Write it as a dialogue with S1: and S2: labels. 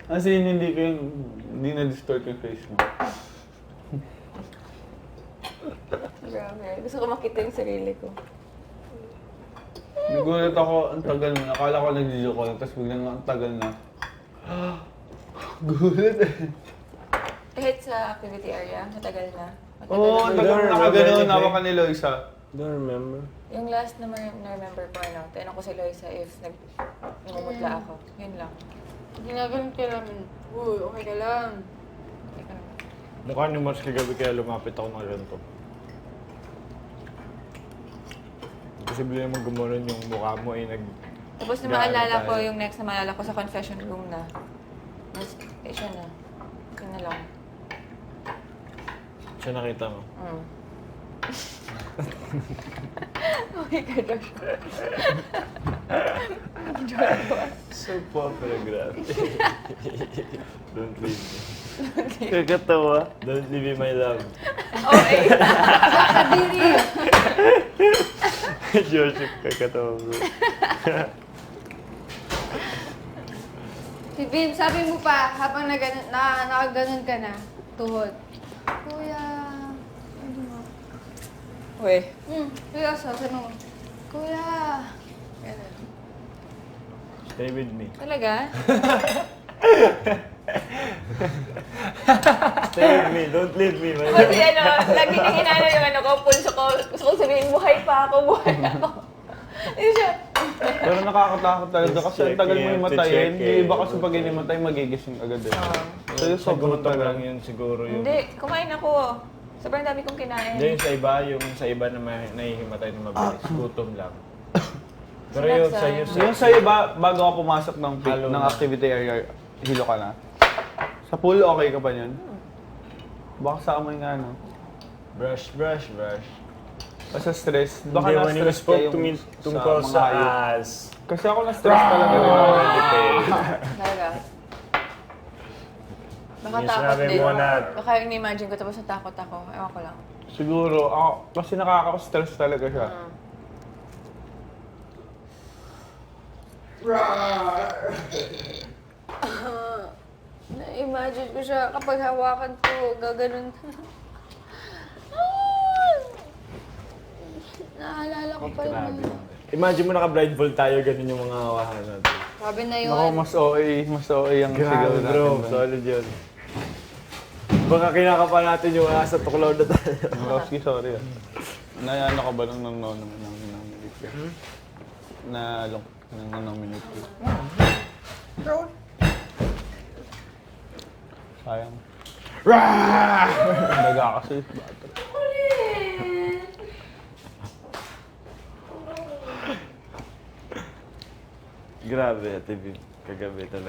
S1: As in, hindi na-distort yung face mo.
S2: Grabe. Gusto ko makita yung sarili ko.
S1: Nagulat ako, ang tagal mo. Akala ko nag-video call, tapos biglang ang tagal na. Gulat eh.
S2: Kahit sa activity area, matagal na.
S1: Oo, ang tagal na nakagano'n, nawa ka ni Loisa.
S3: Don't remember.
S2: Yung last na na-remember ko, tinanong ko si Loisa if namumutla ako. Yun lang.
S4: Ginaganon ka namin. Uy, okay ka lang.
S2: Hindi ko naman.
S3: Mukha ni Mars kagabi kaya lumapit ako ng ganito. Posible naman gumanon yung mukha mo ay nag...
S2: Tapos na maalala ko, yung next na maalala ko sa confession room na. Mas, siya na. Yun na lang.
S3: Siya nakita mo.
S2: Oh my God, Josh.
S3: So popular, grabe. Don't leave me. Kakatawa. Don't leave me, my love.
S2: Okay.
S3: Joseph, kakatawa bro.
S4: Si Vin, sabi mo pa, habang nakaganon ka na, tuhod. Kuya, ano mo?
S2: Uy.
S4: Kuya, sabi mo, Kuya.
S2: Ganun.
S3: Stay with me.
S2: Talaga?
S3: Stay with me, don't leave me, my love.
S2: Kasi lagi nang hinalo yung ko, pulso ko. Gusto ko sabihin, buhay pa ako. Hindi siya.
S1: Pero nakakatakot talaga kasi ang tagal mo himatayin.
S3: Check eh.
S1: Yung iba kasi pag hinimatay, magigising agad eh. So yung sobrang
S3: Gutom lang
S1: tagal.
S3: yun siguro yung...
S2: Hindi, kumain ako. Sobrang dami kong kinain.
S3: Hindi, yung sa iba na nahihimatay na mabilis. Gutom lang. Pero yung sa iyo,
S1: Yung sa iba, bago ka pumasok ng
S3: Halo
S1: ng
S3: na.
S1: activity area, hilo ka na. Sa pool, okay ka pa yun? Baka sa amoy nga, no?
S3: brush.
S1: O sa stress, baka
S3: Hindi, when you
S1: na-stress
S3: spoke
S1: ka
S3: to me
S1: yung
S3: tungkol
S1: mga
S3: sa
S1: hayop.
S3: ass.
S1: Kasi ako na-stress talaga rin ako.
S2: Talaga. Baka
S3: Yung
S2: takot
S3: sinabi
S2: din.
S3: mo na...
S2: Baka in-imagine ko tapos natakot ako. Ewan ko lang.
S1: Siguro, ako, kasi nakaka-stress talaga siya.
S4: Na-imagine ko siya kapag hawakan ko, gaganon. Naalala ko pa
S3: Grabe.
S4: yun.
S3: Imagine mo naka-blindfold tayo, ganun yung mga hawakan natin.
S4: Sabi na yun.
S1: Ako, mas OA yung sigaw
S3: Grabe
S1: natin.
S3: bro,
S1: doon.
S3: solid yun. Baka kinakapa natin yung asa tuklaw na tayo.
S1: Roski, sorry ah. Ano ka ba nung nominate ka? Nang nominate ka? Sayang. Daga kasi.
S3: Grabe, Ate Viv. Kagabi talaga.